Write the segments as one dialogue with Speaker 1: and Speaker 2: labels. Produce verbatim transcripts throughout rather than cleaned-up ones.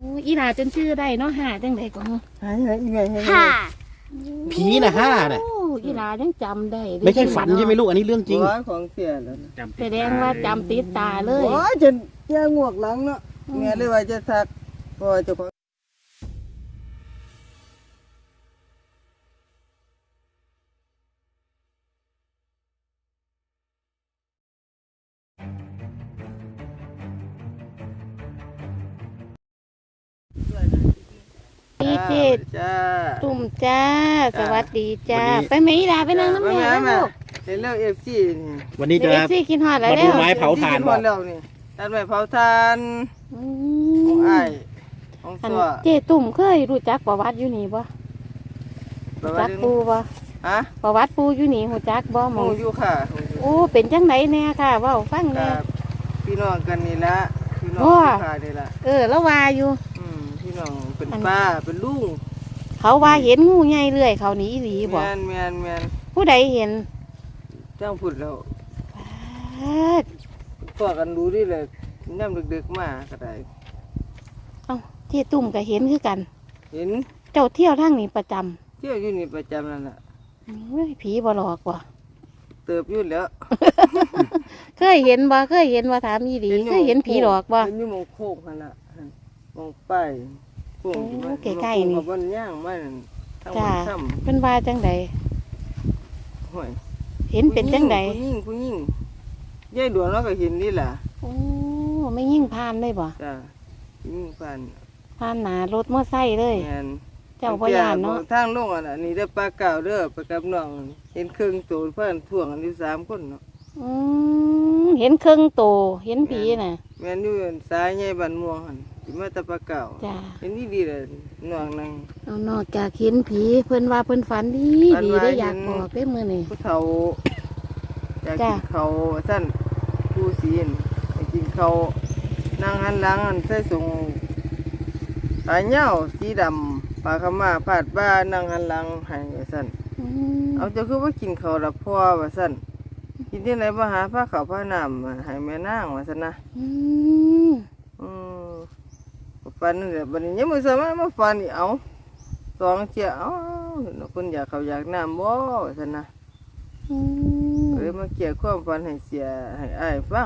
Speaker 1: อีหลาจนชื่อได้เนาะห่าจังได๋ก็
Speaker 2: หายหายอีไงให้
Speaker 3: ค่ะ
Speaker 4: ผีน่ะห้าน่ะ
Speaker 1: อีหลายังจำได้
Speaker 4: ไม่ใช่ฝันใช่ไหมลูกอันนี้เรื่องจริง
Speaker 2: ของเสียแล้ว
Speaker 1: แสดงว่าจำติดตาเลย
Speaker 2: โอ้ยจนแย่งวกหลังเนาะแม่เลยว่าจะทักพอเจ้าของ
Speaker 1: ดีเจ
Speaker 2: จ้า
Speaker 1: ตุ่มจ้าสวัสดีจ้าไปไหมอีหลาไปนั่งน้ำแม่ลูก
Speaker 2: เห็นแล้วเอฟซีนี่
Speaker 4: วันนี้จะ
Speaker 1: เอฟซีกินฮอดแล้ว
Speaker 4: มาดูไม้เผาถ่าน
Speaker 2: บ่แล้วนี่ตัดไม้เผาถ่านของอ้ายของตัว
Speaker 1: เจตุ่มเคยรู้จักประวัติอยู่นี่บ่รู้จักปูบ่
Speaker 2: ฮะ
Speaker 1: ประวัติปูอยู่นี่รู้จักบ่หม
Speaker 2: หู
Speaker 1: อ
Speaker 2: อยู่ค่ะ
Speaker 1: โอ้เป็นจังไดแน่ค่ะเว้าฟังแน่
Speaker 2: พี่น้องกันนี่ละพี่น้องค่ะนี่ละ
Speaker 1: เออแล้วว่าอยู่
Speaker 2: อืมพี่น้องเป็นป้าเป็นลุง
Speaker 1: เขาว่าเห็นงูใหญ่เรื่อยเขาหนีอีหลีบ่
Speaker 2: แม่นแม่นแม่น
Speaker 1: ผู้ใดเห็น
Speaker 2: จ้างพูดแล้วพอกันรู้ดิเลยน้ำดึกๆมาก็ได้
Speaker 1: เอ้าเจ๊ตุ่มก็เห็นคือกัน
Speaker 2: เห็น
Speaker 1: เจ้าเที่ยวทางนี้ประจำ
Speaker 2: เที่ยวอยู่นี่ประจำนั่นแหละ
Speaker 1: เฮ้ยผีบ่หลอกว่ะ
Speaker 2: เติบอยู่แล้ว
Speaker 1: เคยเห็นบ่เคยเห็นว่าถามอีหลีเคยเห็นผีหลอกบ่
Speaker 2: เห็นอยู่มองโคกนั่นล่ะมองป้ายโค้งอยู่มันใกล้ๆนี่บ่ย่างมันทั้งหมดซ้ำ
Speaker 1: เพิ่นว่าจังได
Speaker 2: ห่วย
Speaker 1: เห็นเป็นจังได
Speaker 2: ผู้หญิงผู้หญิงยายดวงเราก็เห็นนี่ล่ะ
Speaker 1: โอ้ไม่ยิ่งผ่านเลยบ่
Speaker 2: จ้ะยิ่งผ่าน
Speaker 1: ผ่านหน้ารถมอไซค์เลย
Speaker 2: แม่น
Speaker 1: เจ้าบ่ย่านเนาะ
Speaker 2: ทางลงอันนี้ได้ปลาเก่าเด้อไปกับน้องเห็นครึ่งโตเพิ่นท่วงกันอยู่สามคนเนาะ
Speaker 1: อืมเห็นครึ่งโตเห็นผีน่ะ
Speaker 2: แม่นอยู่สายใหญ่บ้านม่วงหั่นสิมาตะปลาเก่า
Speaker 1: จ้ะ
Speaker 2: เห็นดีๆเลยน้องนั่ง
Speaker 1: เอานอกจากเห็นผีเพิ่นว่าเพิ่นฝันดีดีได้อยากบอกได้มื้อนี้
Speaker 2: ผู้เฒ่าอยากกินข้าวซั่นผู้ศีลไปกินข้าวนั่งหันหลังใส่ส่งสายเหย้าสีดำปลาขม่าพาดบ้านั่งหันหลังให้ซั่นเอาเจ้าคือว่ากินข้าวละพ่อว่าซั่นกินที่ไหนมาหาผ้าขาวผ้าน้ำให้แม่นางว่าซั่นนะ
Speaker 1: อืม
Speaker 2: อืมฟันนี่แหละบัดนี้ยังมื้อเช้ามาฟันอีเอาสองเที่ยเอ้าเพิ่นอยากข้าวอยากน้ำบ่ว่าซั่นนะ
Speaker 1: อืม
Speaker 2: เลยมาเกี่ยวความฝันให้เสียให้อ้ายฟัง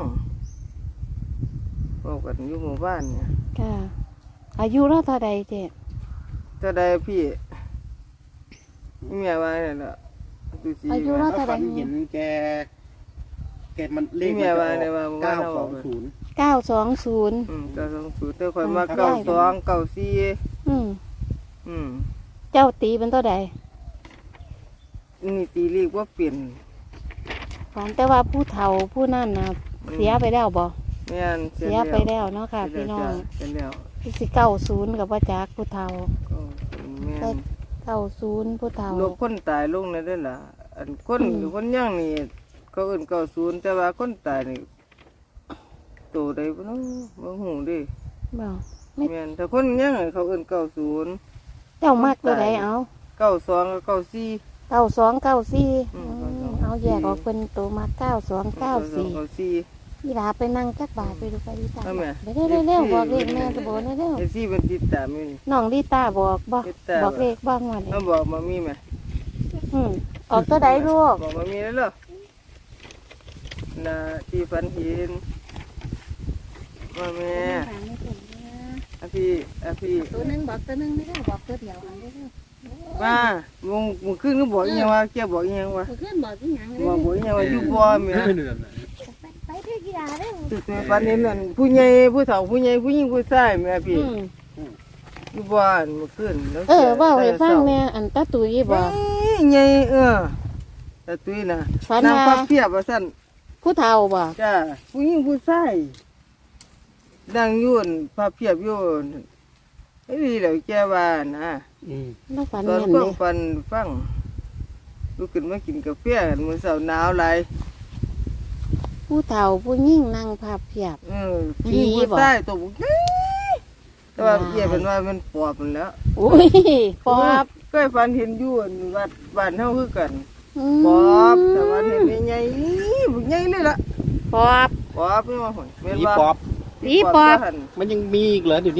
Speaker 2: บอกกันอยู่หมู่บ้านเนี่ย
Speaker 1: ค่ะอายุเราเท่าใดเจ๊
Speaker 2: เท่าใดพี่เมียว่าเนี่ยล่ะดูสิ
Speaker 1: อายุเราเท่าใด
Speaker 4: เห็นแกแกมันเลข
Speaker 2: เมียว่าเนี่ยว่า
Speaker 4: เก้าสองศูนย์
Speaker 1: เก้าสองศูนย์
Speaker 2: อืมเก้าสองศูนย์แต่ข่อยมาเก้าสองเก้าสี่
Speaker 1: อืม
Speaker 2: อืม
Speaker 1: เจ้าตีเป็นเท่าใด
Speaker 2: นี่ตีเลขว่าเปลี่ยน
Speaker 1: ฝันแต่ว่าผู้เฒ่าผู้นั่นนะเสียไปแล้วบ่
Speaker 2: แม่น
Speaker 1: เสียไปแล้วเนาะค่ะพี่น้อง
Speaker 2: เป็นแล้ว
Speaker 1: พี่สิเก้าศูนย์กับว่าจักผู้เฒ่า
Speaker 2: แม่น
Speaker 1: เก้าศูนย์ผู้เฒ่า
Speaker 2: ลบคนตายลงเลยได้ล่ะอันคนคนย่างนี่เขาเอื่นเก้าศูนย์แต่ว่าคนตายนี่โตได้บ่เนาะบ่ฮู้เด้
Speaker 1: บ่
Speaker 2: แม่นแต่คนย่างเขาเอื่นเก้าศูนย์
Speaker 1: เจ้ามักตัวใดเอา
Speaker 2: เก้าสองกับเก้าสี่
Speaker 1: เก้าสองเก้าสี่เอาแยกออกเป็นตัวมาเก้าสองเก้าสี่พี่ลาไปนั่งจักบาทไปดูไปดีตาไปเร็วเร็วบอกเลขแม่จะบอกเร็ว
Speaker 2: เอซี่มันติดตามอยู่นี่
Speaker 1: น้องดีตาบอกบอกบอกเลขบ้างวันนี้
Speaker 2: ต้องบอกมามีไหม
Speaker 1: อืมออกตัวใดลูก
Speaker 2: บอกมามีแล้วเหรอน่ะที่ฝันเห็นมาแม่อ่ะพี่อ่ะพี่
Speaker 1: ตัวนึงบอกตัวนึงไม่ได้บอกตัวเดียวอันได้
Speaker 2: ว่ามงมึงขึ้นก็บอกยังว่าแกบอกยังว่า
Speaker 1: ขึ้นบอกที่ยัง
Speaker 2: บอกบอกยังว่าอยู่บ่แม่
Speaker 1: ไปเที่ยวกีฬาเด้อ
Speaker 2: จุดในฝันนี้นั่นผู้ใหญ่ผู้เฒ่าผู้ใหญ่ผู้หญิงผู้ชายแม่พี่อยู่บ้านเมื่อคืน
Speaker 1: เออว่าให้ฟังแม่อันตาตุยบ่
Speaker 2: ใหญ่เออตาตุยน่ะนางพับเพียบว่าซั่น
Speaker 1: ผู้เฒ่าบ่
Speaker 2: จ้าผู้หญิงผู้ชายดังยุ่นพับเพียบอยู่ไอ้นี่แหละแกว่านะ
Speaker 1: อืมแล้วฝัน
Speaker 2: แม่นเด้ตอนฟันฟังลุกขึ้นมากินกาแฟกันมื้อเช้าหนาวหลาย
Speaker 1: ผู้เฒ่าผู้ยิ่งนั่งภาพเพียบ
Speaker 2: เออผีบ่ใช่ตัวบุกแต่ว่าเกี่ยเป็นว่ามันปอบมันแล้ว
Speaker 1: อุ้ยปอบ
Speaker 2: ก็ฝันเห็นอยู่วัดบ้านเฮาคือกันปอบแต่ว่าเห็นใหญ่บุกใหญ่เลยล่ะ
Speaker 1: ปอบ
Speaker 2: ปอบไม่มาหอย
Speaker 4: ผีปอบ
Speaker 1: ผีปอบ
Speaker 4: มันยังมีอีกเหรอเดี๋ยวนี้
Speaker 2: ม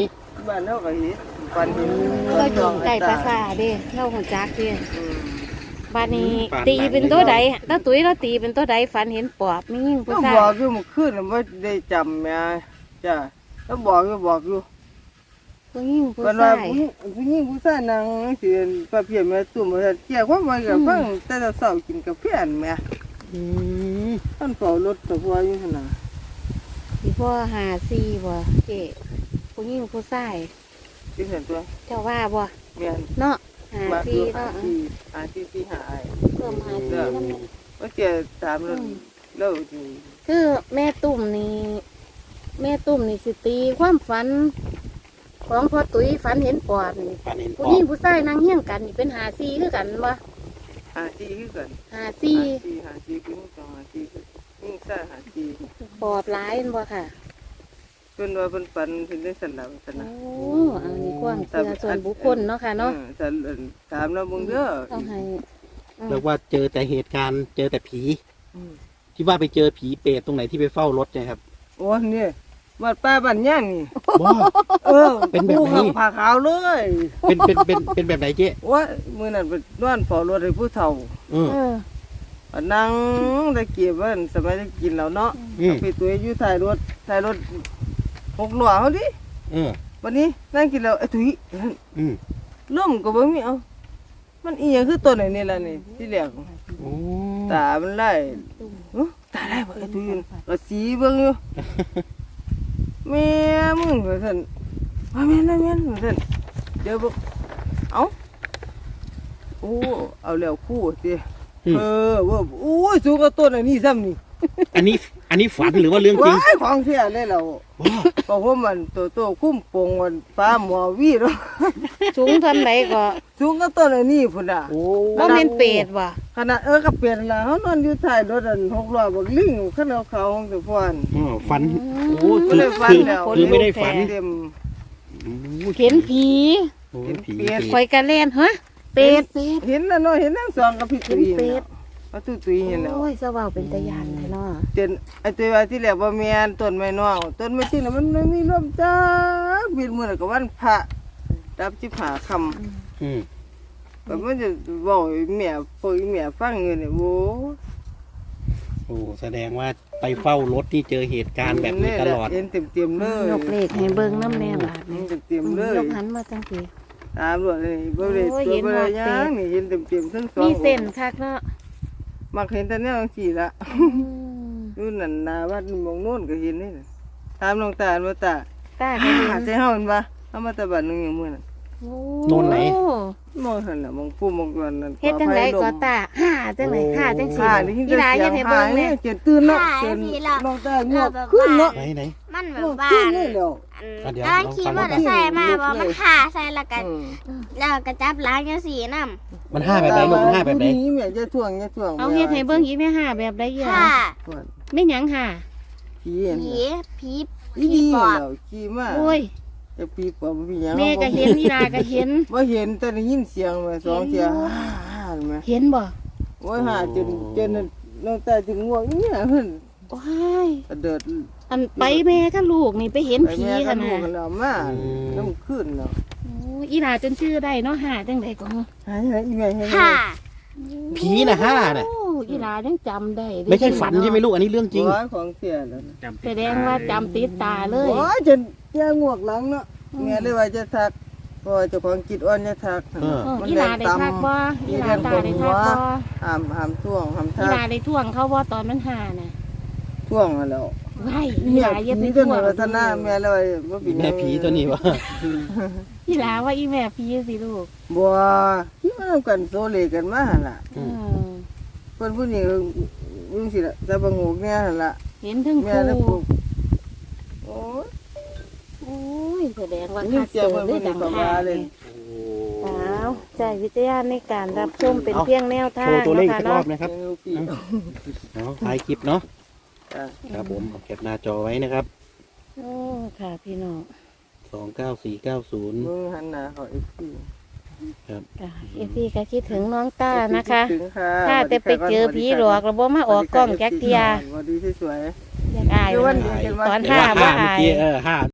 Speaker 2: บ้านเฮาก็เห็นฝันเห็น
Speaker 1: ก็อยู่ใกล้ปราสาทเด้เล่าหัวจักเด้
Speaker 2: อืม
Speaker 1: บ้านนี้ตีเป็นตัวใดถ้าตุ้ยเราตีเป็นตัวใดฝันเห็นปอบมียิ่งผู้
Speaker 2: ก็
Speaker 1: ชาย
Speaker 2: บอกอยู่เมื่อคืนน่ะบ่ได้จำแม่จ้ะแล้วบอกอยู่บอกอยู่
Speaker 1: ผู้ยิ่งผู้
Speaker 2: เพิ่นว่า
Speaker 1: ชาย
Speaker 2: ผู้หญิงผู้ชายนั่งสิประเภทแม่ตุ่มว่าเกี่ยวความไว้กับฟังแต่เช้ากินกาแฟนแม่
Speaker 4: อืม
Speaker 2: ท่านเฝ้ารถตะพัวอยู่หั่นน่ะ
Speaker 1: สิพ่อหาซีบ่เจ๊ผู้ยิ่งผู้ชาย
Speaker 2: ที่เห็นตัว
Speaker 1: เจ้าว่าบ่
Speaker 2: แม่น
Speaker 1: เนาะหา
Speaker 2: มา
Speaker 1: ซี
Speaker 2: อยู่หา
Speaker 1: เนาะ
Speaker 2: ที่หาที่ที่หาไอ้
Speaker 1: เพิ่มหาซีนั่นแหละ
Speaker 2: ว่าเกี่ยวถามแล้วแล้วสิ
Speaker 1: คือแม่ตุ่มนี่แม่ตุ่มนี่สิตีความฝัน ของพ่อตุ้ยฝันเห็นปอบนี่
Speaker 4: ฝันเห็นป
Speaker 1: ผู้
Speaker 4: อ
Speaker 1: หญิง
Speaker 4: บ
Speaker 1: ผู้ชายนั่งเฮี้ยงกันนี่เป็นหาซีคือกันบ่
Speaker 2: หาที่คือกัน
Speaker 1: หาซี
Speaker 2: หาที่หาที่คือสองหาที่คือยิ่งซ่าหาที่
Speaker 1: ปอบหลายแม่นบ่ค่ะ
Speaker 2: เพิ่นว่าเพิ่นฝันเพิ่นได้สั่นแล้วสั่น
Speaker 1: โอ้
Speaker 2: นะ
Speaker 1: อันนี้ความเชื่อส่วนบุคคลเนาะค่ะเนาะ
Speaker 2: ออแต่ถามแล้วมึงเด้อ
Speaker 1: ต้องให้อืม
Speaker 4: เรียกว่าเจอแต่เหตุการณ์เจอแต่ผี
Speaker 2: อืม
Speaker 4: ที่ว่าไปเจอผีเปรตตรงไหนที่ไปเฝ้ารถเนี่ยครับ
Speaker 2: โอ้นี่วัดป้าบ้านย่างนี่
Speaker 4: ว้า
Speaker 2: เออ
Speaker 4: เป็นแบบไหน
Speaker 2: ผู้ขัผ่าขาวเลย
Speaker 4: เป็นเป็นเป็นเป็นแบบไหนเจ๊
Speaker 2: ว่ามื้อนั้นไปนอนเฝ้ารถให้ผู้เฒ่า
Speaker 4: เออ
Speaker 1: เออ
Speaker 2: ก็นั่งตะเกียบว่าสมัยได้กินแล้วเนาะ
Speaker 4: อืม
Speaker 2: ไปตัวอยู่ท้ายรถท้ายรถหกล้อเฮาดิ
Speaker 4: เออ
Speaker 2: วันนี้นั่งกินแล้วไอ้ตุ้ย
Speaker 4: อืม
Speaker 2: ลมก็บ่มีเอามันอีหยังคือต้นไอ้นี่ล่ะนี่ที่แรก
Speaker 4: โอ้
Speaker 2: ตามันไล่อื้อตาไล่บ่ไอ้ตุ้ยก็สีเบิ่งอยู่ แม่มึงว่าซั่นว่าแม่นนะแม่นว่าซั่นเดี๋ยวบ่เอ้าโอ้เอาแล้วคู่สิเออว่าโอ้ยสูงกว่าต้นอันนี้ซ้ำนี่
Speaker 4: อันนี้อันนี้ฝันหรือว่าเรื่องจริง
Speaker 2: ว้ายของแท้เลยเรา
Speaker 4: ว้า
Speaker 2: เพราะว่ามันโตโตคุ้มโปงมันฟ้าหมอวีเนาะ
Speaker 1: สูงเท่าไหนก็
Speaker 2: สูงกว่าต้นอันนี้พุ่นน่ะ
Speaker 4: โอ้
Speaker 1: บ่แม่นเปรตบ่
Speaker 2: ขนาดเออก็เปลี่ยนล่ะเฮานอนอยู่ท้ายรถอันหกล้อบักลิงคันเอาเขาของตัวพ่อน
Speaker 4: อ๋อฝันโอ้
Speaker 2: ไม่
Speaker 4: คือ
Speaker 2: ได้ฝัน
Speaker 4: คือ
Speaker 2: แล้ว
Speaker 4: คือไม่ได้ฝัน
Speaker 2: เต็ม
Speaker 4: โอ้
Speaker 1: เห็นผี
Speaker 4: โอ้
Speaker 2: เห็น
Speaker 4: ผี
Speaker 2: เปรต
Speaker 1: คอยกันเล่นฮะเปรตเปรต
Speaker 2: เห็นแล้วเนาะเห็นทั้งสองกับพี่ตุ้ย
Speaker 1: เห็นเปรต
Speaker 2: เอาตุ้ยตุ้ยเห็นแล้ว
Speaker 1: โอ้ยสว่าวเป็นตะยานแท้เนาะ
Speaker 2: เจนไอ้ตัวว่าที่แรกว่าแม่นต้นไม้น้องต้นไม้จริงน่ะมันไม่มีลมจ้าบินมื้อนั้นก็วันพระรับสิบห้าค่ำ
Speaker 4: อืม
Speaker 2: ก็มันจะบอกให้แม่พวกแม่ฟังอยู่นี่โว้
Speaker 4: โอ้แสดงว่าไปเฝ้ารถนี่เจอเหตุการณ์แบบนี้ตลอด
Speaker 2: เห็นเต็มๆเลย
Speaker 1: ยกเลขให้เบิ่งน้ำแน่บาด
Speaker 2: เห็
Speaker 1: นี่
Speaker 2: นเต็มๆเลย
Speaker 1: ยกหันมาจังซี่
Speaker 2: ตามรวดเลยบ่ได้
Speaker 1: โอ้ย
Speaker 2: ตัว
Speaker 1: เห็น
Speaker 2: บ่ได้
Speaker 1: ว่า
Speaker 2: หยั
Speaker 1: เป็
Speaker 2: ง
Speaker 1: ด
Speaker 2: นี่เห็นเต็มๆทั้งสอง
Speaker 1: มีเส้นคักเนาะ
Speaker 2: มักเห็นแต่แนวจังซี่ละ
Speaker 1: อืม
Speaker 2: อยู่นั่นหน้าวัดหมองโน่นก็เห็นนี่น่ะถามหลวงตาว่าตา
Speaker 1: ตาก็เห็
Speaker 2: หาน ใจเฮาเห็นบ่เฮามาแตะบัดนึงอย่างมื้อนั้น
Speaker 1: โอ้
Speaker 4: โน่นไหน
Speaker 2: มองหั่นน่ะมองผู้มองกันนั่น
Speaker 1: เฮ็ดจังไดก็ตาห่าจังไดห่าจังซี่
Speaker 2: หาได้ยิน
Speaker 1: อี
Speaker 2: แต่
Speaker 1: หลา
Speaker 2: เสี
Speaker 1: เฮ็
Speaker 2: ย
Speaker 1: ด
Speaker 2: ง
Speaker 1: ให้
Speaker 2: หา
Speaker 1: เบิ่ง
Speaker 2: เนี่
Speaker 1: แน่
Speaker 2: ยเจนตื่นเนาะ
Speaker 3: หา
Speaker 2: เจน
Speaker 3: พี่ละ
Speaker 2: น้องตาเงอกขึ้นเนาะ
Speaker 4: ไหนไหน
Speaker 3: มันแบ
Speaker 2: เง
Speaker 3: บอก ว่า
Speaker 2: ขึ้นเลยแล้ว
Speaker 3: อัน
Speaker 4: อ่ะเดี๋ยว
Speaker 3: กำลังขี่มอเตอร์ไซค์มา
Speaker 2: ลองฟัง
Speaker 3: บอกมันหาใส่แล้วกัน
Speaker 2: อืม
Speaker 3: แล้วก็จับล้างยังสีน้
Speaker 4: มันห้าแบบไหนลูกมันห้าแบบไหน
Speaker 2: ผู้ดีแม่จะท่วงจะท่วง
Speaker 1: เอาเฮ็ดให้เบิ่งอีแม่ห่าแบบใด
Speaker 3: ำ
Speaker 1: อีห
Speaker 3: ค่ะ
Speaker 1: ล่ะ
Speaker 2: ท่วง
Speaker 1: แม่หยังห่า
Speaker 2: ผีเห็น
Speaker 3: ผี
Speaker 2: น่ะ
Speaker 3: ผี
Speaker 2: อีดีแล้วขี่มา
Speaker 1: โอ้ย
Speaker 2: จะปีปอบผีหยัง
Speaker 1: แม่ก็เห็นอีหลาก็เห็น
Speaker 2: บ่เห็นแต่ได้ยินเสียงมาสองเสียงฮ่าฮ่าแม่
Speaker 1: เห็นบ่
Speaker 2: โอ้ยหาจนจนน้องตาถึงง่วงเนี่ยเพิ่น
Speaker 1: ว้าย
Speaker 2: กระเดิด
Speaker 1: อันไปแม่กับลูกนี่ไปเห็น
Speaker 2: ไป
Speaker 1: ผี
Speaker 2: แม่กั
Speaker 1: กัน น
Speaker 2: ลูกกัน
Speaker 1: นะ
Speaker 2: แล้วมาน้ำขึ้นเนาะ
Speaker 1: โอ้ยอีหลาจนชื่อได้เนาะห่าจังไดก็
Speaker 2: หายหายอีแม่ให้
Speaker 3: ค่ะ
Speaker 4: ผีน่ะห้าน่ะ
Speaker 1: โอ้อีหลายังจำได้เด้
Speaker 4: ไม่ใช่ฝันใช่ไหมลูกอันนี้เรื่องจริง
Speaker 2: หัวของเสียแล้วนะ
Speaker 1: แสดงว่าจำติดตาเลย
Speaker 2: โอ้ยจนแย่งวกหลังเนาะแม่เลยว่าจะทักเพราะว่าเจ้าของจิตอ่อนจะทัก
Speaker 4: เออ
Speaker 1: เอออีหลาได้ทักบ่อีหลาตาได้ทักบ่
Speaker 2: ห้ามห้ามท่วงห้าม
Speaker 1: อี
Speaker 2: ทัก
Speaker 1: หลาได้ท่วงเขาบ่ตอนมันห่าน่ะ
Speaker 2: ท่วงแล้ว
Speaker 1: ไว้อี
Speaker 2: แม่
Speaker 1: หลาอย่าไป
Speaker 2: ผีตัว
Speaker 1: ท่ว
Speaker 2: นี้
Speaker 1: ง
Speaker 2: วัฒนาแม่เลยว่าบ่เป็นหยัง
Speaker 4: แม่ผีตัวนี้วะ
Speaker 1: อีหลาว่าอีแม่ผีสิลูก
Speaker 2: บัวที่มาทำกันโซเลกันมาหั่นล่ะ
Speaker 1: เออ
Speaker 2: เพิ่นผู้นี้วิ่งสิล่ะจะบังงูแม่หั่นล่ะ
Speaker 1: เห็นทั้ง
Speaker 2: แม่แล้ว
Speaker 1: คู่
Speaker 2: ปุ๊บโอ้ย
Speaker 1: โอ้ยแสดงว่า
Speaker 2: นี่
Speaker 1: คัก
Speaker 2: เสีย
Speaker 1: เกิ
Speaker 2: เพิ่
Speaker 1: ด
Speaker 2: น
Speaker 1: ได้
Speaker 2: ผู้นี้
Speaker 1: ดัง
Speaker 2: ก็
Speaker 1: ห่า
Speaker 2: ว่าเลย
Speaker 1: สาวใจวิทยาในการรับชมเป็น
Speaker 4: เอา
Speaker 1: เพียงแนวทา
Speaker 4: โช
Speaker 1: ง
Speaker 4: ว์ตัวเลข
Speaker 1: เนาะ
Speaker 4: อี
Speaker 1: ค่ะ
Speaker 4: กรอ
Speaker 1: เนาะ
Speaker 4: บนะครับ
Speaker 2: เออพี่
Speaker 4: เนาะถ่ายคลิปเนาะ
Speaker 2: จ้ะ
Speaker 4: ครับผมเอาเก็บหน้าจอไว้นะครับ
Speaker 1: โอ้ค่ะพี่น้อง
Speaker 4: สองเก้าสี่เก้าศูนย์
Speaker 2: มือหันหน้าเขาอีกที
Speaker 4: ครับ
Speaker 1: ค่ะเอฟซีก็คิดถึงน้องต้านะคะ
Speaker 2: ถึงค่ะ
Speaker 1: ถ้าแต่ไปเจอผีหลอกแล้วบ่มาออกกล้องแจ็คเทีย
Speaker 2: สวัสดีที่สวย
Speaker 1: อยากอาย
Speaker 2: เดี๋ยววั
Speaker 1: มัน น
Speaker 2: เดียวกันว่า
Speaker 1: ตอน
Speaker 4: แต่
Speaker 1: ห้า
Speaker 4: ว่า
Speaker 1: บ่
Speaker 4: ห้าเมื่อ
Speaker 1: อาย
Speaker 4: กี้เออห้า